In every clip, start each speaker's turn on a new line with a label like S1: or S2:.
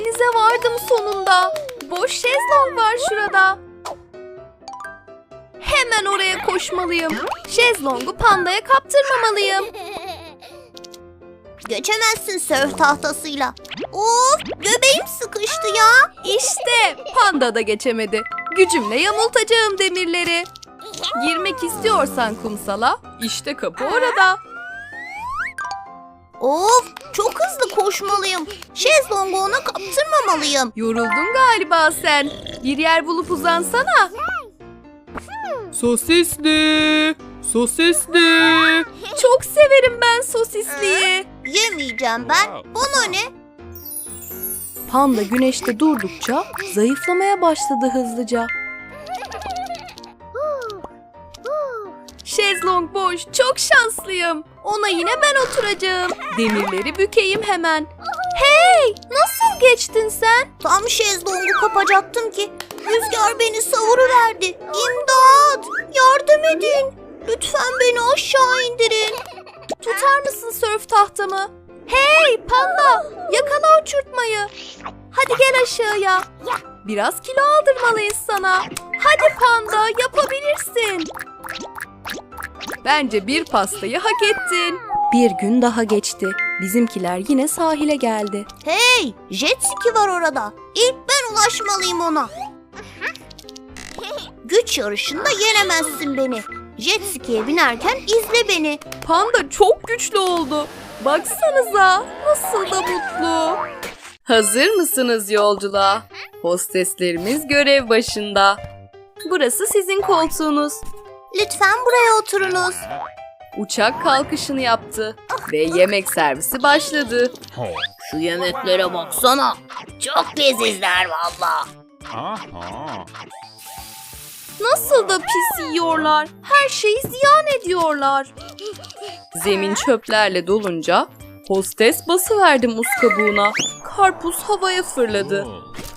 S1: Denize vardım sonunda. Boş şezlong var şurada. Hemen oraya koşmalıyım. Şezlongu pandaya kaptırmamalıyım.
S2: Geçemezsin sörf tahtasıyla. Of, göbeğim sıkıştı ya.
S1: İşte panda da geçemedi. Gücümle yamultacağım demirleri. Girmek istiyorsan kumsala, işte kapı orada.
S2: Of, çok hızlı koşmalıyım. Şezlongu ona kaptırmamalıyım.
S1: Yoruldun galiba sen. Bir yer bulup uzansana. Sosisli, sosisli. Çok severim ben sosisliyi.
S2: Yemeyeceğim ben. Bana ne?
S1: Panda güneşte durdukça zayıflamaya başladı hızlıca. Şezlong boş, çok şanslıyım. Ona yine ben oturacağım. Demirleri bükeyim hemen. Hey, nasıl geçtin sen?
S2: Tam şezlongu kapacaktım ki rüzgar beni savuruverdi. İmdat! Yardım edin. Lütfen beni aşağı indirin.
S1: Tutar mısın sörf tahtamı? Hey panda, yakala uçurtmayı. Hadi gel aşağıya. Biraz kilo aldırmalıyız sana. Hadi panda, yapabilirsin. Bence bir pastayı hak ettin. Bir gün daha geçti. Bizimkiler yine sahile geldi.
S2: Hey, jet ski var orada. İlk ben ulaşmalıyım ona. Güç yarışında yenemezsin beni. Jet ski'ye binerken izle beni.
S1: Panda çok güçlü oldu. Baksanıza nasıl da mutlu. Hazır mısınız yolculuğa? Hosteslerimiz görev başında. Burası sizin koltuğunuz.
S2: Lütfen buraya oturunuz.
S1: Uçak kalkışını yaptı ve yemek servisi başladı.
S2: Şu yemeklere baksana. Çok lezizler valla.
S1: Nasıl da pis yiyorlar. Her şeyi ziyan ediyorlar. Zemin çöplerle dolunca hostes basıverdi muz kabuğuna. Karpuz havaya fırladı.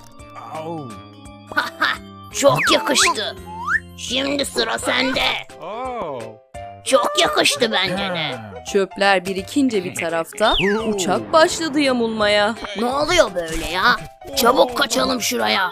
S2: Çok yakıştı. Şimdi sıra sende. Çok yakıştı bence de.
S1: Çöpler birikince bir tarafta uçak başladı yamulmaya.
S2: Ne oluyor böyle ya? Çabuk kaçalım şuraya.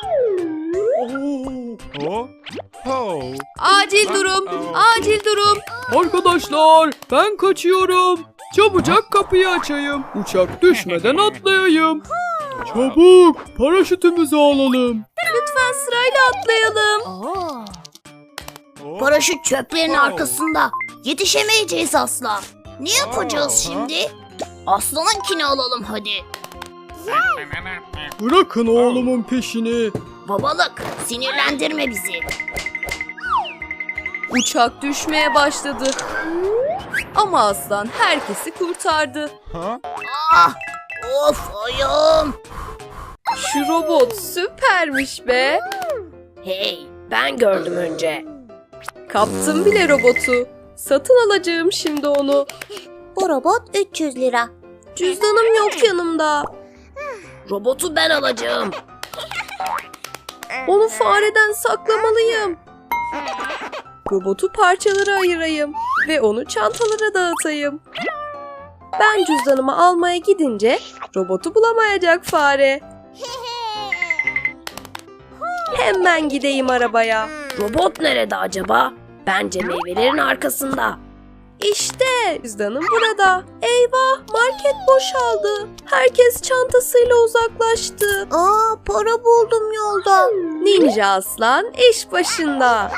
S1: Acil durum, acil durum. Arkadaşlar ben kaçıyorum. Çabucak kapıyı açayım. Uçak düşmeden atlayayım. Çabuk paraşütümüzü alalım. Lütfen sırayla atlayalım.
S2: Paraşüt çöplerin arkasında. Yetişemeyeceğiz asla. Ne yapacağız şimdi? Aslanınkini alalım hadi.
S1: Bırakın oğlumun peşini.
S2: Babalık, sinirlendirme bizi.
S1: Uçak düşmeye başladı. Ama aslan herkesi kurtardı.
S2: Ah, of ayağım.
S1: Şu robot süpermiş be.
S2: Hey, ben gördüm önce.
S1: Kaptım bile robotu. Satın alacağım şimdi onu.
S2: Bu robot 300 lira.
S1: Cüzdanım yok yanımda.
S2: Robotu ben alacağım.
S1: Onu fareden saklamalıyım. Robotu parçalara ayırayım ve onu çantalara dağıtayım. Ben cüzdanımı almaya gidince robotu bulamayacak fare. Hemen gideyim arabaya.
S2: Robot nerede acaba? Bence meyvelerin arkasında.
S1: İşte cüzdanım burada. Eyvah, market boşaldı. Herkes çantasıyla uzaklaştı.
S2: Aa, para buldum yolda.
S1: Ninja aslan iş başında.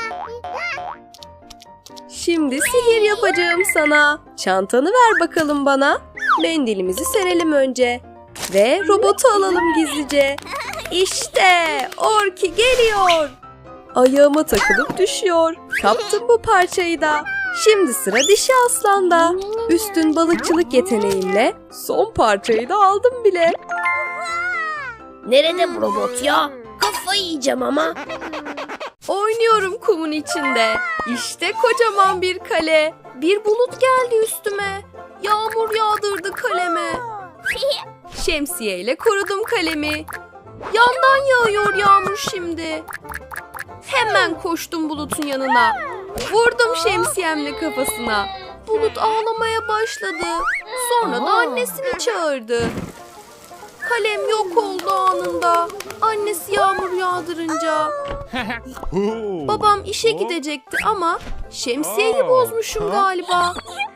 S1: Şimdi sihir yapacağım sana. Çantanı ver bakalım bana. Mendilimizi serelim önce. Ve robotu alalım gizlice. İşte Orki geliyor. Ayağıma takılıp düşüyor. Kaptım bu parçayı da. Şimdi sıra dişi aslanda. Üstün balıkçılık yeteneğimle son parçayı da aldım bile.
S2: Nerede bu robot ya? Kafayı yiyeceğim ama.
S1: Oynuyorum kumun içinde. İşte kocaman bir kale. Bir bulut geldi üstüme. Yağmur yağdırdı kaleme. Şemsiyeyle korudum kalemi. Yandan yağıyor yağmur şimdi. Hemen koştum bulutun yanına. Vurdum şemsiyemle kafasına. Bulut ağlamaya başladı. Sonra da annesini çağırdı. Kalem yok oldu anında. Annesi yağmur yağdırınca. Babam işe gidecekti ama şemsiyeyi bozmuşum galiba.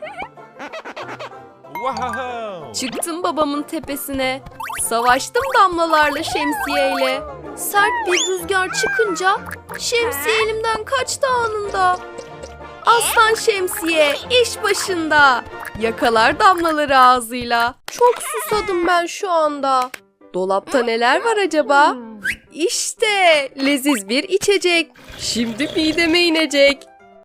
S1: Çıktım babamın tepesine. Savaştım damlalarla şemsiyeyle. Sert bir rüzgar çıkınca şemsiye elimden kaçtı anında. Aslan şemsiye iş başında. Yakalar damlaları ağzıyla. Çok susadım ben şu anda. Dolapta neler var acaba? İşte leziz bir içecek. Şimdi mideme inecek.